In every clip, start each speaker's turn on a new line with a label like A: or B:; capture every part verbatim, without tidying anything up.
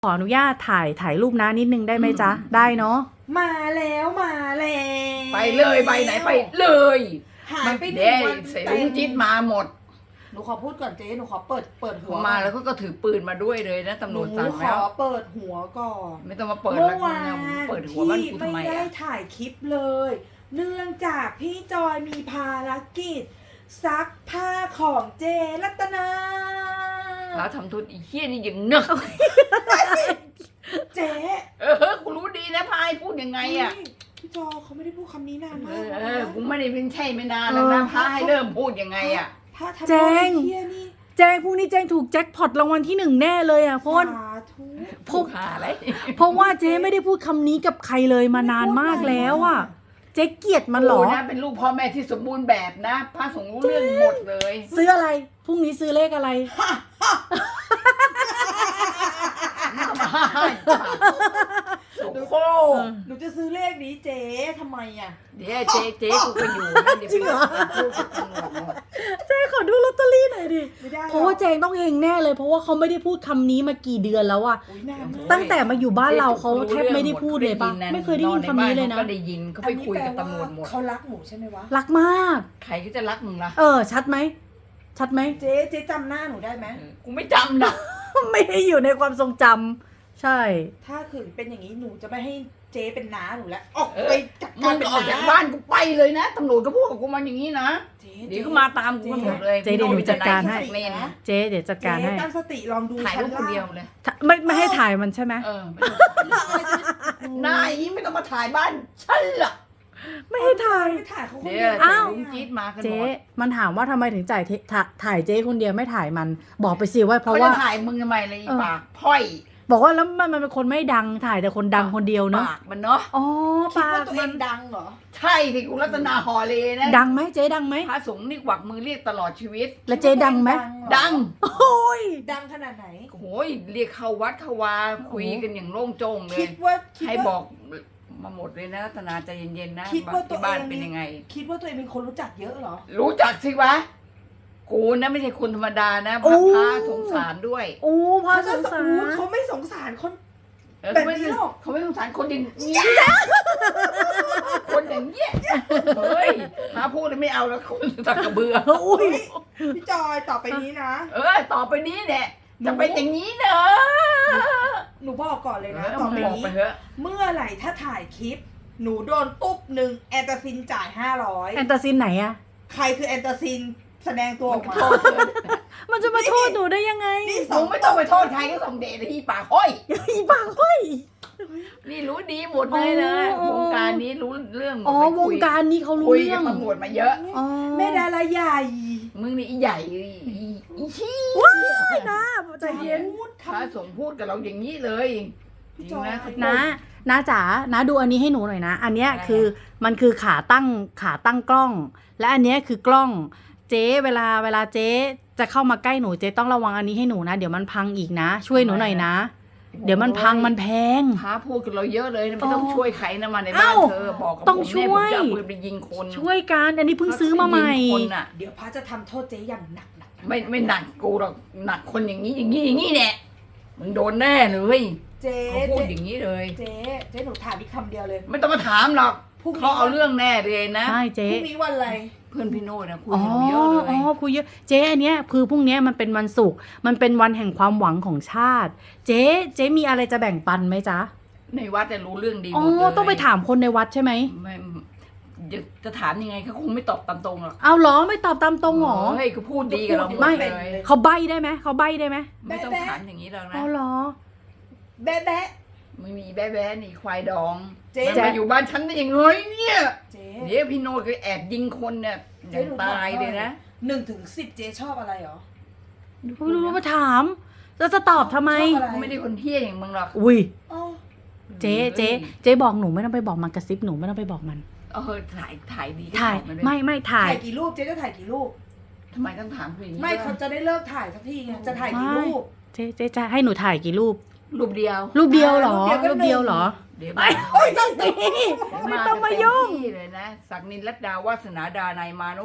A: ขออนุญาตถ่ายถ่ายรูปนะนิดนึงได้ไหมจ๊ะได้เนาะ
B: มาแล้วมาแล้ว
C: ไปเลยไปไหนไปเลย
B: หายไปหนึ่
C: เด้
B: งวัน
C: ใส่ลุงจิ๊ดมาหมด
B: หนูขอพูดก่อนเจ๊หนูขอเปิดเปิดหัว
C: มาแล้วก็ถือปืนมาด้วยเลยนะตำรวจสั่ง
B: หนูข
C: แล้ว
B: อเปิดหัวก่อน
C: ไม่ต้องมาเปิด
B: เมื่
C: แล้ว
B: อวาน
C: เปิดหัวบ้าน
B: พี่
C: กูทำไม
B: ไม่ได้
C: อ่ะ
B: ถ่ายคลิปเลย เนื่องจากพี่จอยมีภารกิจซักผ้าของเจรัตนา
C: แล้วทำทุนอีเหี้ยนี่อย่างเนอะ
B: เจ๊
C: เออกูรู้ดีนะพายพูดยังไงอ่ะ
B: พี่จอยเขาไม่ได้พูดคำนี้นาน
C: เอ
B: มาก
C: อ
B: แล้ว
C: เออ
B: นะ
C: กูไม่ได้เป็นใช่ไม่นานแล้วนะพายเริ่มพูดยังไงอ่ะ
B: ถ้าทำ
A: แจ้ง
B: เที่ยนี่
A: แจ้งพรุ่งนี้แจ้งถูกแจ็คพอตรางวัลที่หนึ่งแน่เลยอ่ะเพราะว่า
B: สาธุ
A: พวก
C: หาอะไร
A: เพราะว่าเจ๊ไม่ได้พูดคำนี้กับใครเลยมานานมากแล้วอ่ะเจ๊เกลียดมันเหรอ
C: กูนะเป็นลูกพ่อแม่ที่สมบูรณ์แบบนะพระสงฆ์รู้เรื่องหมดเลย
A: ซื้ออะไรพรุ่งนี้ซื้อเลขอะไร
C: โอ้โห
B: หนูจะซื้อเลขนี้เจ๊ทำไมอ่ะ
C: เดี๋ยวเจ๊เจ๊กูก็อยู่นะเดี๋ยว
A: จริงเหรอ
C: ไปพูดกับตำรวจหมด
A: เจ๊ขอดูลอตเตอรี่หน่อยดิ
B: ไม่ได้หรอก
A: เพราะว่าแจงต้องเฮงแน่เลยเพราะว่าเขาไม่ได้พูดคำนี้มากี่เดือนแล้วอะ
B: อุ๊ยนานมาก
A: ตั้งแต่มาอยู่บ้านเราเขาแทบไม่ได้พูดเลยปะไม่เคยได้ยินคำนี้เลยนะ
C: ก็ได้ยินเขาไปคุยกับตำรวจหมด
B: เขารักหนูใช่ไหมวะ
A: รักมาก
C: ใครก็จะรักมึงล่ะ
A: เออ ชัดไหมชัดไหม
B: เจ๊เจ๊จำหน้าหนูได้ไหม
C: กูไม่จำนะ
A: ไม่ได้อยู่ในความทรงจำใช่
B: ถ้าขืนเป็นอย่างนี้หนูจะไม่ให้เจ๊เป็นน้าหนูแล้วออกไปจัด
C: มึ
B: การ
C: ง
B: เป็
C: ก็
B: น
C: ออกจาก
B: น้า
C: บ้านกูไปเลยนะตำรวจก็พูดกับกูมาอย่างนี้นะ
B: เจ๊
C: เดี๋ยวเขามาตามกูกันหมดเลย
A: เจ๊เดี๋ยวหนูจัดการให้
C: เมน
A: เจ๊เดี๋ยวจัดการ
B: เจ๊
A: ให้
B: ตั้งสติลองดู
C: ถ่ายรูปคนเดียวเลย
A: ไม่ไม่ให้ถ่ายมันใช่ไหม
C: เออไม่ต้องนายไม่ต้องมาถ่ายบ้านฉันหรอก
A: ไม่ให้ถ่าย
B: ไม่ถ่ายเขาคน
C: เดี๋
B: เดี
C: ย
B: ยว ว
A: อ้าว
C: ลุงจี๊ดมากันหม
A: เจ๊
C: ด
A: มันถามว่าทำไมถึงจ่ายเทถ่าถ่ายเจ๊คนเดียวไม่ถ่ายมัน บอกไปสิว่าเพ
C: เขา
A: ราะ
C: จะ
A: ว่า
C: ถ่ายมึงทำไมเลยอี
A: เออ
C: ปากพ่อย
A: บอกว่าแล้วมันมันเป็นคนไม่ดังถ่ายแต่คนดังคนเดียวเนอะ
C: ปากมันเนาะ
A: อ๋อ
B: คิด
A: ปา
B: ว่าก ตัวเอ
A: มัน
B: งดังเหรอ
C: ใช่ที่กูรัตนาฮอเลนะ
A: ดังไหมเจ๊ดังไหม
C: พระสงฆ์นี่กวักมือเรียกตลอดชีวิต
A: แล้วเจ๊ดังไหม
C: ดัง
A: โอ้ย
B: ดังขนาดไหน
C: โอ้ยเรียกเข้าวัดเข้าวาคุยกันอย่างโล่งโจ้งเล
B: คิ
C: ย
B: ดว่าคิด
C: ให้
B: ว่า
C: บอกมาหมดเลยนะรัตนาใจเย็นๆนะ
B: คิดว่าตัว
C: ที่บ้าน
B: เอง
C: เป็นยังไง
B: คิดว่าตัวเองเป็นคนรู้จักเยอะเหรอ
C: รู้จักสิวะ กูนะไม่ใช่คนธรรมดานะพ
A: โอ้
C: ระพระสงสารด้วย
A: โอ้พระ
B: เขา
A: ส
B: จะ
A: งสา
B: อู้
A: ร
B: เขาไม่สงสารคน
C: เออ
B: แบบ
C: เขาไม่
B: นี้หรอก
C: เขาไม่สงสารคนอย่างนี้คนอย่างเงี้ยเฮ้ยพระพูดเลยไม่เอาแล้วคนตะกระเบือ
A: อุ้ย
B: พี่จอยต่อไปนี้นะ
C: เออต่อไปนี้เนี่ยจะเป็นอย่างนี้เนอะ
B: หนูบอกก่อนเลยนะ
C: เออ
B: ต่อไป
C: บอก
B: นี้
C: ไปเถอะ
B: เมื่อไหร่ถ้าถ่ายคลิป หนูโดนตุ๊บหนึ่งแอนตาซินจ่ายห้าร้อย
A: แอนตาซินไหนอะ
B: ใครคือแอนตาซินแสดงตัวออกมา
C: โทษเถอะ
A: มันจะมาโทษหนูได้ยังไง
B: นี่
C: มึงไม่ต้องไปโทษใครก็ส่งเดชที่ปากห้อย
A: อีปากห้อย
C: นี่รู้ดีหมดเลยนะ
A: อ๋อ
C: วงการนี้รู้เรื่องหมด
A: อ๋อ
C: ไป
A: ว
C: คุ
A: ง
C: ย
A: การนี้เขารู้
C: คุย
A: เรื่
C: กั
A: อบ ง
C: ตำรวจมาเยอะ
A: อ๋อ
B: แม่ดาราใหญ่
C: มึงนี่อีใหญ่อีอีชี้
A: ไม่นะใจเย็น
B: พูด
C: พระ
B: คำ
C: สงฆ์พูดกับเราอย่างนี้เลย
B: พี่
C: จ
B: จ
C: ริ
B: อง ย
C: นะเขา
A: นะนะจ๋านะดูอันนี้ให้หนูหน่อยนะ อันเนี้ย
C: อะไร
A: คือมันคือขาตั้งขาตั้งกล้อง และอันเนี้ยคือกล้อง เจ๊เวลาเวลาเจ๊จะเข้ามาใกล้หนูเจ๊ต้องระวังอันนี้ให้หนูนะ เดี๋ยวมันพังอีกนะ ช่วยหนูหน่อยนะ เดี๋ยวมันพังมันแพง
C: พระพูดกับเราเยอะเลยนะไม่ต้อง
A: อ๋อ
C: ช่วยใครนะมาในบ้าน
A: เอ้า
C: เธอบอกกับ
A: ต้อง
C: ผมเนี่ย
A: ช่
C: ผ
A: ว
C: ม
A: ย
C: จะเอาปืนไปยิงคน
A: ช่วยกันอันนี้เพิ่งซื้อมาใหม่
C: ยิงคนน่ะ
B: เดี๋ยวพระจะทำโทษเจ๊อย่างหนักหนัก
C: ไม่ไม่หนักกูหรอกหนักคนอย่างนี้อย่างนี้อย่างนี้แน่มึงโดนแน่เลย
B: เจ๊
C: เขาพูด
B: เจ๊
C: อย่างนี้เลย
B: เจ๊เจ๊หนูถามอีกคำเดียวเลย
C: ไม่ต้องมาถามหรอก
B: พรุ่งนี้
C: เขาเอาเรื่องแน่เลยนะ
A: ใช่
B: พ
A: เจ๊
B: รุ่งนี้วันอะไร
C: เพื่อนพี่โน้ตนะคุย
A: อ๋อ
C: กับเราเยอะเลย
A: อ๋อคุยเยอะ เจ๊อันเนี้ยคือพรุ่งเนี้ยมันเป็นวันศุกร์ มันเป็นวันแห่งความหวังของชาติ เจ๊ เจ๊มีอะไรจะแบ่งปันไหมจ๊ะ
C: ในวัดจะรู้เรื่องดีห
A: อ๋
C: มดเล
A: อย ต้องไปถามคนในวัดใช่ไหม
C: ไม่จะจะถามยังไงเขาคงไม่ตอบตามตรงหรอก
A: เอาเหรอไม่ตอบตามตรงเหรอ
C: เฮ้ยเขาพูดดีกับเราหมด
A: ไม่
C: เลย
A: เขาใบได้ไหมเขาใบได้ไหม
C: ไม่ต้องถามอย่างนี้แล้วนะ
A: เอาเหรอ
B: แบ๊ะแบ๊ะ
C: ไม่มีแบ๊ะแบ๊ะนี่ควายดอง
B: เจ๊
C: มันมาอยู่บ้านฉันได้ยังไงเนี่ย
B: เจ๊
C: เดี๋ยวพี่โน้ตก็แอบยิงคนเนี่ยอย่างตายเลยนะ
B: หนึ่งถึงสิบเจ๊ชอบอะไรเหรอ
A: ไม่รู้มาถามแล้วจะตอบทำไม
B: ชอบอะไร
C: เขาไม่ได้คนเที่ยอย่างมึงหรอก
A: อุ้ย
B: อ๋อ
A: เจ๊เจ๊เจ๊บอกหนูไม่ต้องไปบอกมันกระซิบหนูไม่ต้องไปบอกมัน
C: เออถ่ายถ่ายดีก็
A: ถ่าย
C: มาด้วย
A: ไม่ไม่ถ่า
B: ถ่าย ยกี่รูปเจ๊จะถ่ายกี่รูป
C: ทำไมต้องถามคุณอย่างนี้
B: ไม่เขาจะได้เลิกถ่ายสักทีไงจะถ่ายกี่รูป
A: เจ๊เจ๊จะให้หนูถ่ายกี่รูป
C: รูปเดียว
A: รูปเดียวเหรอ
B: รู
A: รู
B: ป
A: ป
B: เดี
A: เดี
B: ย
A: ยว ว
B: ก็หนึ่ง
A: เหรอ
C: เดี๋ยว
A: ไม่ไม่ต้องตี
C: เดี๋ยว
A: ไม่ต้องมายุ่ง
C: เต็ที่เลยนะศักดินรัตดาวาสนาดานายมาโนด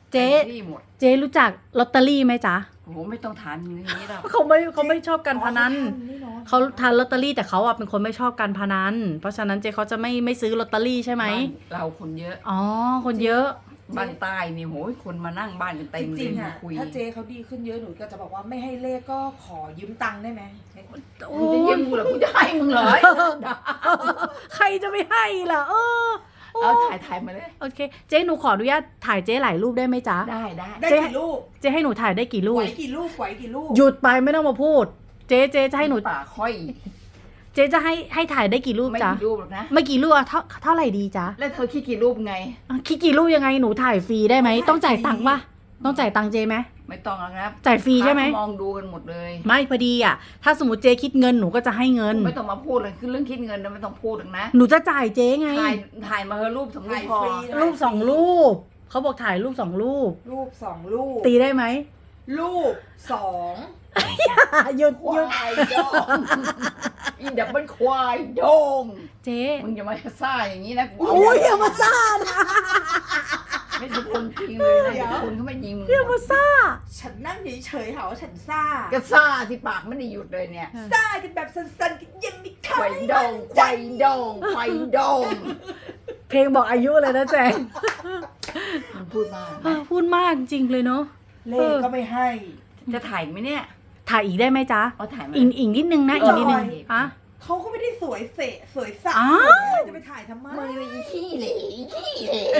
A: เจ๊
C: ต็มที่หมด
A: เจ๊รู้จักลอตเตอรี่ไหมจ๊ะ
C: โอ้โหไม่ต้องถามอย่างนี้หรอก
A: เขาไม่เขาไม่ชอบการพนัน
B: อ๋อนี่เอะ
A: เขาทานลอตเตอรี่แต่เขาอ่ะเป็นคนไม่ชอบการพนัน เพราะฉะนั้นเจ๊เขาจะไม่ไม่ซื้อลอตเตอรี่ใช่ไหม
C: บ้านเราคนเยอะ
A: อ๋อคนเยอะ
C: บ้านใต้นี่โหยคนมานั่งบ้านกันเต็
B: จ
C: มเล
B: ริ
C: ย
B: งๆ
C: มา
B: อ่ะ
C: คุย
B: ถ้าเจ๊เขาดีขึ้นเยอะหนูก็จะบอกว่าไม่ให้เลขก็ขอยืมตังค์ได้ไหม
A: โอ้
C: มึงจะยืมกูเหรอกูจะให้มึงเหรอ
A: ใครจะไม่ให้ล่ะ เออโอ้
C: เอาถ่ายถ่ายมาเลย
A: โอเค เจ๊หนูขออนุญาตถ่ายเจ๊หลายรูปได้ไหมจ๊ะ
C: ได้ได้
B: ได้
A: เจ๊
B: กี่ลูก
A: เจ๊ให้หนูถ่ายได้กี่รู
B: ไหว
A: ป
B: กี่ลูกไหวกี่ลูก
A: หยุดไปไม่ต้องมาพูด เจ๊เจ๊จะให้หนู
C: ป่าค่อย
A: เจ๊จะให้ให้ถ่ายได้กี่รูป
C: ไม่
A: จ๊ะ
C: กี่รูปหรอกนะ
A: ไม่กี่รูปอะเท่าเท่าไหร่ดีจ๊ะ
C: แล้วเธอคิดกี่รูปไง
A: อ่ะคิดกี่รูปยังไงหนูถ่ายฟรีได้ไหมต้องจ่ายตังค์ปะต้องจ่ายตังค์เจ๊ไหม
C: ไม่ต้องแล้วนะ
A: จ่ายฟรีใช่ไหม
C: พาเขามองดูกันหมดเลย
A: ไม่พอดีอ่ะ ถ้าสมมติเจ๊คิดเงินหนูก็จะให้เงิน
C: ไม่ต้องมาพูดเลยคือเรื่องคิดเงินนะไม่ต้องพูดหรอกนะ
A: หนูจะจ่ายเจ๊ไง
C: ถ่ายถ่ายมาเฮอะรูปสองรูปพอ
B: ถ่ายฟรี
A: รูปสองรูปเขาบอกถ่ายรูปสองรูป
B: ลูกสองลูก
A: ตีได้ไหม
B: ลูกสอง
A: หยุด
C: ค
A: หยุด
C: วายดองอีดับเบิลควายดง
A: เจ๊
C: มึงอย่ามาซ่าอย่างนี้นะกู
A: โอ้ยอย่ามาซ่านะ
C: ไม่ใช่คนจริงเลยนะเดี๋ยวคนเขาไม่ยิงมึง
A: อย่ามาซ่า
B: ฉันนั่งเฉยๆหาว่าฉันซ่า
C: ก็ซ่าที่ปากไม่ได้หยุดเลยเนี่ย
B: ซ่ากันแบบสั้นๆกันยังไม่เข้า
C: ควายดงควายดงควายดง
A: เพลงบอกอายุเลยนะแจง
C: มึงพูดมาก
A: เออพูดมากจริงเลยเนาะ
B: เลขก็ไม่ให้
C: จะถ่ายไหมเนี่ย
A: ถ่ายอีกได้ไหมจ๊ะ
C: เอาถ่ายมา
A: อีกอีกนิดนึงนะ
C: เออ
A: อีกนิดนึง
C: เออ
A: อะ
B: เขาก็ไม่ได้สวยเสะสวยสัก
A: อ้าว
B: จะไปถ่ายทำไม
C: มึงเลยอีขี้เหล่อีขี้เหล่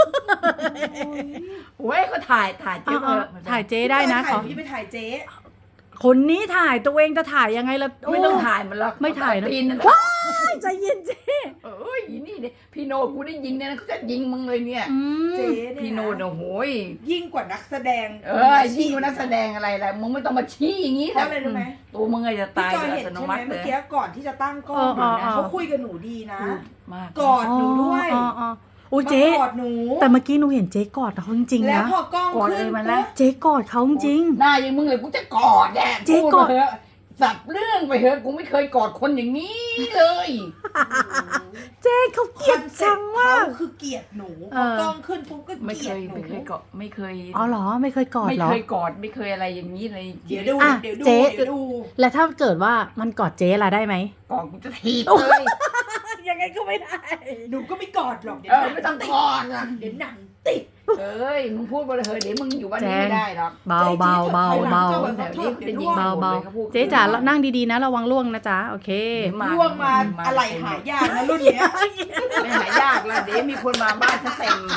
C: โอ้ยก็ถ่ายถ่ายเจ๊
A: เอา
C: เถ
A: เอา
C: อะ
A: ถ่ายเจ๊ได้นะ
B: ถ่า
A: ข
B: ย
A: อ
B: หนูจะไปถ่ายเจ๊
A: คนนี้ถ่ายตัวเองจะถ่ายยังไงล่ะ
C: ไม่ต้องถ่ายมันหรอก
A: ไม่ถ่ายนะ
C: ตีนนั่น
A: ว้ายใจเย็นเจ๊
C: เอ้ยนี่เนี่ยพี่โนกูได้ยิงเนี่ยนะเขาจะยิงมึงเลยเนี่ย
A: อืม
B: เจ๊เนี่ย
C: พี่โนโอ้โหย
B: ยิ่งกว่านักแสดง
C: เออยิ่งกว่านักแสดงอะไรล่ะมึงไม่ต้องมาชี้อย่างนี้
B: เพราะอะไรรู้ไหม
C: ตัวมึงอะจะ
B: พี่
C: ตาย
B: จอย
C: โดยอั
B: เห็น
C: ตโน
B: ใช่ไหม
C: มัติเล
B: เมื่อย กี้ก่อนที่จะตั้งกล้อง
A: เออเออเออ
B: เขาคุยกับหนูดีนะ
C: พูดมาก
B: กอดหนูด้วย
A: อ๋ออ๋อโอ้ย
B: มา
A: เจ๊
B: กอดหนู
A: แต่เมื่อกี้หนูเห็นเจ๊กอดเขาจริงๆ
B: แล้ว
A: นะ
B: พอกล้อง
C: กอด
B: ขึ้
C: เล
B: น
C: ยมัน
B: ปุ๊
C: นะ
B: บ
A: เจ๊กอดเขาจริง
C: หน้าอย่างมึงเลยกูจะกอดแน่
A: เจ๊
C: พูด
A: กอด
C: มาเถอะสับเรื่องไปเถอะกูไม่เคยกอดคนอย่างนี้เลย
A: เจ๊เขาเกลียดชังมาก
B: คือเกลียดหนูพ
A: เอ
B: อ
A: อ
B: กล้องขึ้นปุ๊บก็
C: ไม่
B: เก
C: เค
B: ลียด
C: ย
B: หนู
C: ไม่เคยกอดไม่เคย
A: อ๋อเหรอไม่เคยกอด
C: ไม่
A: เหรอ
C: เคยกอดไม่เคยอะไรอย่างนี้เลย
B: เดี๋ยวดู
A: อ่ะ
B: เดี๋ยวดู
A: เจ๊
B: เดี๋ยวดู
A: แล้วถ้าเกิดว่ามันกอดเจ๊ละได้ไหม
C: กอดกูจะถีบเลย
A: ยังไงก็ไม่ได้
B: หนูก็ไม่กอดหรอกเดี๋ย
C: เอ
B: ว
C: อไม่ต้องกอดอ่ะ
B: เดี๋ยวหนังติด
C: เอ้ยมึงพูดไปเลยเถอะเดี๋ยวมึงอยู่บ้านนี้
A: แจ้ง
C: ไม่ได้หรอก
A: เบาเบาเบาเบา
C: แถวนี้เป็นยิง
A: เบา
C: หมด
A: เบา
C: เลยเขาพูด
A: เจ๊จ๋านั่งดีๆนะระวังล่วงนะจ๊ะโอเค
B: ล่วงมาอะไรหายากนะรุ่นเนี้ย
C: ไม่หายากแล้วเดี๋ยวมีคนมาบ้านฉันเต็ม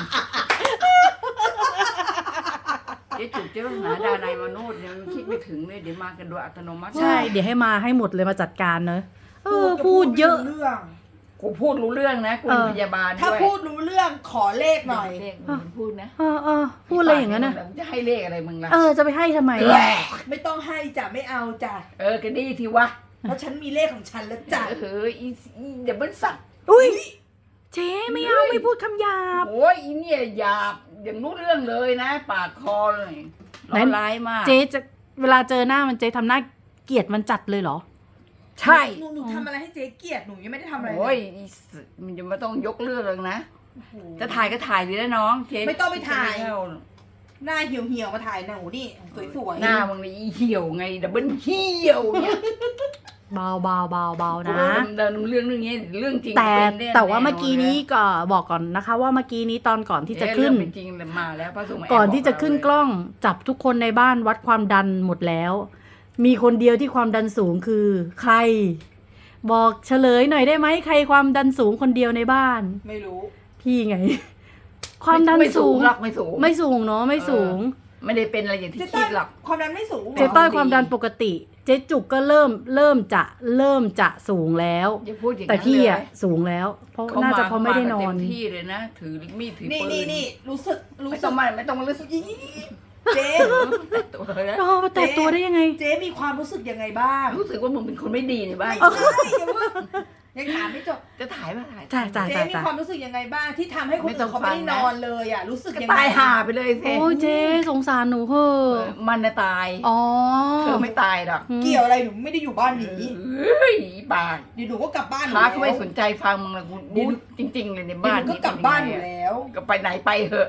C: เจ๊จุกเจ๊ปัญหาดานายมโนดเนี่ยมันคิดไม่ถึงเลยเดี๋ยวมากันโดยอัตโนมัติ
A: ใช่ เดี๋ยวให้มาให้หมดเลยมาจัดการเนอะเออพูดเยอะ
B: ไม่รู้เรื่อง
C: กูพูดรู้เรื่องนะกูเป็นพยาบาลด้วย
B: ถ้าพูดรู้เรื่องขอเลขหน่อย
C: เลขมึงพูดนะ
A: เออเออพูดอะไรอย่างนั้นนะ
C: มึงจะให้เลขอะไรมึงล่ะ
A: เออจะไปให้ทำไม
C: แหละ
B: ไม่ต้องให้จ้ะไม่เอาจ้ะ
C: เออก็ดีทีวะ
B: เพราะฉันมีเลขของฉันแล้วจ้ะ
C: เอออีอีเดี๋ยวมันสัตว์
A: อุ้ยเจ๊ไม่เอาไม่พูดคำหยาบ
C: โอ้ยอีเนี่ยหยาบอย่างรู้เรื่องเลยนะ ปากคอเลย
A: ไหน
C: ร้อนร้ายมาก
A: เจ๊จะเวลาเจอหน้ามันเจ๊ทำหน้าเกลียดมันจัดเลยเหรอ
C: ใช่
B: หนูหนูทำอะไรให้เจ๊เกลียดหนูยังไม่ได้ทำอะไรเล
C: โอ้ย
B: ย
C: อีสมันจะไม่ต้องยกเรื่องเลยนะ
B: โอ้โห
C: จะถ่ายก็ถ่ายดีแล้วน้องเจ๊
B: ไม่ต้องไปถ่าย
C: ม่เข้
B: หน้าเหี่ยวเหี่ยวๆมาถ่ายหนูนี่สวยๆ
C: หน้ามึงเลยอีเหี่ยวไงดับเบิลเหี่ยวเนี่ย
A: เบาเบาเบาเบานะ
C: เดินเรื่องเรื่องนี้เรื่องจริง
A: แต่
C: เป็นน่
A: แต่ว่าเมื่อ
C: แน่นน
A: กี้นี้ก็บอกก่อนนะคะ ว่าเมื่อกี้นี้ตอนก่อนที่จะ
C: เอ๊
A: ขึ้น
C: เรื่องเป็นจริงเลยมาแล้วพระสงฆ์มาแบ
A: ก่อนที่จะ
C: บเรา
A: ขึ้น
C: เลย
A: กล้องจับทุกคนในบ้านวัดความดันหมดแล้ว มีคนเดียวที่ความดันสูงคือ ใคร บอกเฉลยหน่อยได้ไหมใครความดันสูงคนเดียวในบ้าน
B: ไม่รู้
A: พี่ไง ความดัน
C: ไม่
A: สูง
C: หรอกไม่สูง
A: ไม่สูงเนาะไม่สูง
C: ไม่ได้เป็นอะไรอย่างที่
B: เจ๊
C: คิ
B: ต้อ
C: ดหรอก
B: ความดันไม่สูงหรอ
A: เจ๊ต้อยความดันปกติ เจ๊จุกก็เริ่มเริ่มจะเริ่มจะสูงแล้ว
C: อย่าพูดอย่าง
A: แต่
C: นั้น
A: พี่
C: เลย
A: อ่ะสูงแล้ว เพราะ
C: เขา
A: น่าจะ
C: ม
A: เพราะไม่ได้นอ
C: เต็
A: น
C: มที่เลยนะถือมีดถือ
B: นี่
C: ปืน
B: นี่นี่รู้สึกรู้
C: ไม่
B: สึ
C: ต้อก งมาไม่ต้องมารู้สึก
B: อีเจ๊
C: ตัวเลยนะ
A: อ๋อแต่ตัวได้ยังไง
B: เจ๊มีความรู้สึกยังไงบ้าง
C: รู้สึกว่ามึงเป็นคนไม่ดีในบ้าน
B: ไม่ใช่อย่าเพิ่งยังถามไม่จบ
C: จะถ่ายป่ะถ่าย
A: ใช่ใช่
B: เจ๊มีความรู้สึกยังไงบ้างที่ทำให้คน
C: ไม่ต้
B: อื่
C: อง
B: นเขาไม่ได้
C: ฟัง
B: น
C: นะ
B: อนเลยอ่ะรู้สึก
C: ก็
B: ยังไง
C: ตายห่าไปเลยสิ
A: โอ้ยเจ๊สงสารหนูเถอ
C: เอะ อมันน่ะตาย
A: อ๋อ
C: เธอไม่ตายหรอก
B: เกี่ยวอะไรหนูไม่ได้อยู่บ้านนี้
C: เฮ้ยปาก
B: เดี๋ยวหนูก็กลับบ้าน
C: พาเขาไม่สนใจฟังมึงละกูรู้จริง ๆ เลยใน
B: เดี๋ยว
C: บ้า
B: ห
C: น
B: นูก็กลับบ้านอยู่แล้ว
C: ก็ไปไหนไปเถอะ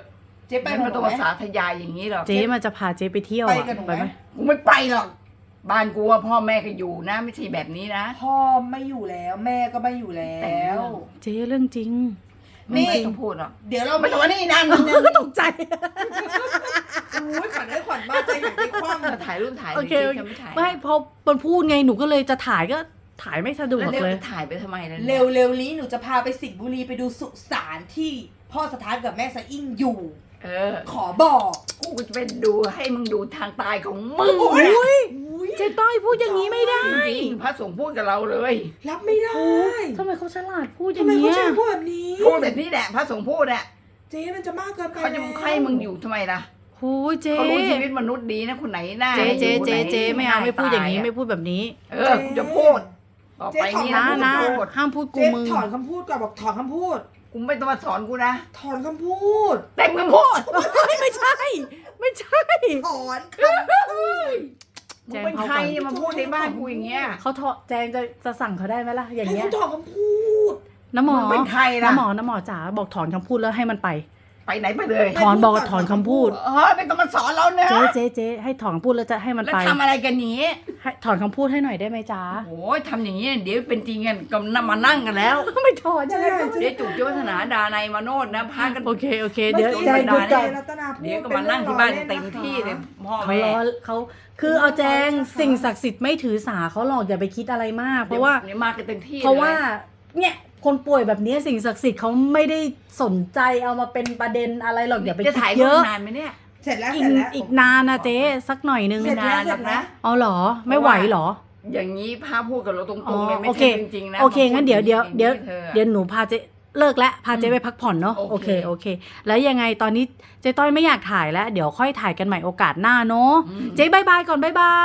B: เจ๊ไป
C: ไม่
B: กับห
C: มา
B: นู
C: ต้อง
B: ไหม
C: ภาษาทยายอย่างนี้หรอก
A: เจ๊มันจะพาเจ๊ไปเที่ยว
B: ไป
A: อะ
B: กับหนู
A: ไปไห
B: ไห
A: ม
B: ม
C: กูไม่ไปหรอกบ้านกูว่าพ่อแม่ก็อยู่นะ ไม่ใช่แบบนี้นะ
B: พ่อไม่อยู่แล้วแม่ก็ไม่อยู่แล้
C: แต่งเรื่
B: ว
C: อง
A: เจ๊เรื่องจริง
B: นี่
C: ไม่ต้องพูดหรอก
B: เดี๋ยวเรา
C: ไม่ต้องมานี่นั่น
A: ก็ตกใจ
B: อุ้ยขวัญได้ขวัญบ้าใจอย่างที่คว่ำ
C: จะถ่ายรูปถ่าย
A: โอเค
C: จ
A: โอ
C: ริง
A: เค
C: ๆจะไม่ถ่าย
A: ไม่พอมันพูดไงหนูก็เลยจะถ่ายก็ถ่ายไม่สะดว
C: แล้
A: ก
C: วเร็ว
A: เลย
C: จะถ่ายไปทำไมล่ะ
B: เร็วเร็วๆนี้หนูจะพาไปสิงห์บุรีไปดูสุสานที่พ่อสถานกับแม่สะอิ่งอยู่
C: เออ
B: ขอบอก
C: กูจะไปดูให้มึงดูทางตายของมึง
B: โอ้ย
A: อุ้ย
B: อุ้ย
A: เจ๊ต้อยพูดอย่างนี้ไม่ได้
C: จริงๆพระสงฆ์พูดกับเราเลย
B: รับไม่ได้
A: ทำไมเขาฉลาดพูดอ
B: ทำ
A: ย่าง
B: ไมเขา
A: เงี้ย
B: ใช้พูดแบบนี้
C: พูดแบบนี้แหละพระสงฆ์พูดอ่ะ
B: เจ๊มันจะมากเกินไป
C: เขาจะ
B: แล้ว
C: ให้มึงอยู่ทำไมล่ะ
A: โอ้ยเจ๊
C: เขารู้ชีวิตมนุษย์ดีนะคนไหนหน้า
A: เจ๊เจ๊
C: อยู่
A: เจ๊
C: คนหน
A: เจ๊ไม่เอาไม่พูดอย่างนี้
C: ต
A: ไม่พูดแบบนี้
C: เออกูจะพูดต่อไปนี้
A: นะ
C: นะ
A: นะ
C: กูจะพูด
A: ห้ามพูดกู
B: เจ๊
A: มึง
B: ถอนคำพูดก่อนบอกถอนคำพูด
C: กูไม่ต้องมาสอนกูนะ
B: ถอนคำพูด
C: เต็มคำพูด
A: ไม่ใช่ ไม่ใช่
B: ถอนคำพูด
C: มึงเป็นใครเนี่ยมาพูดในบ้านกูอย่างเงี้ย
A: เขาเถาะแจงจะจะสั่งเขาได้ไหมล่ะอย่าง
B: ให้
A: เงี้ย
B: เขาถอนคำพูด
A: น้ำหมอ
C: มึงเป็นใครล่ะ
A: น้ำหมอน้ำหมอจ๋าบอกถอนคำพูดแล้วให้มันไป
C: ไปไหนไปเลย
A: ถอนบอกว่าถอนคำพูด
C: เออไม่ต้องมาสอนเราเนะ
A: เจ๊เจ๊เจ๊ให้ถอนคำพูดแล้วจะให้มัน
C: แล้ว
A: ไป
C: ทำอะไรกันนี้
A: ให้ถอนคำพูดให้หน่อยได้ไหมจ๊ะ
C: โอ้ยทำอย่างนี้เดี๋ยวเป็นจริงกันก็มานั่งกันแล้ว
A: ไม่ถอนยังไงก็
C: เดี๋ยวจุกเจ้าวัฒนาดาในยมาโนดนะพากัน
A: โอเคโอเค เดี๋ยว
B: มื่อ
A: ใจ
B: กี้
A: ดู
B: เจ๊
A: ใจ
B: รัตนาพูด
C: เดี๋ยวก็มานั่งที่บ้านเต็มที่เลยพ่อ
A: เขา
C: แม่
A: ล้อเขาคือเอาแจงสิ่งศักดิ์สิทธิ์ไม่ถือสาเขาหรอกอย่าไปคิดอะไรมาก เพราะว่า
C: เดี๋ยวมากันเต็มที่
A: เพราะว่า
C: ลย
A: เนี่ยคนป่วยแบบนี้สิ่งศักดิ์สิทธิ์เขาไม่ได้สนใจเอามาเป็นประเด็นอะไรหรอกอย่าไป
C: จะ
A: คิ
C: ถ่าย
A: ดเยอะ
C: รูปนานไหมเนี่ย
B: เสร็จแล้ว
A: อี
B: เสร็
A: ก
B: จแล้ว
A: อีกนานนะเจ๊สักหน่อยนึง
B: เสร็จแล้ว
C: นานหรอกนะ
A: เอาเหรอไม่ไหวเหรอ
C: อย่างนี้พาพูดกับเราตร
A: อ๋
C: ง
A: อ
C: ๆเลยไม่
A: โอเค
C: ใช่จริงๆนะ
A: โอเคงั้นเดี๋ยวเดี๋ยวเดี๋ยว
C: ธอ
A: เดี๋ยวหนูพาเจ๊เลิกแล้วพาเจ๊
C: อืม
A: ไปพักผ่อนเนาะ
C: โอ
A: โอ
C: เค
A: เคโอเค แล้วยังไงตอนนี้เจ๊ต้อยไม่อยากถ่ายแล้ว เดี๋ยวค่อยถ่ายกันใหม่โอกาสหน้าเนาะ
C: อืม
A: เจ๊บายบายก่อนบายบาย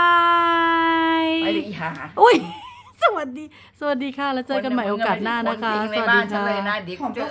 C: ไปเลยอีหา
A: อุ้ย สวัสดี สวัสดีค่ะ แล้วเจอกันใหม่โอกาสหน้านะคะ
C: ใน
A: สวัส
C: บ้า
A: ดี
C: นฉัน
A: ค่ะ
C: เลยนะเดี๋ยว
B: หอ
C: กู
B: ม
C: จะ
B: ก็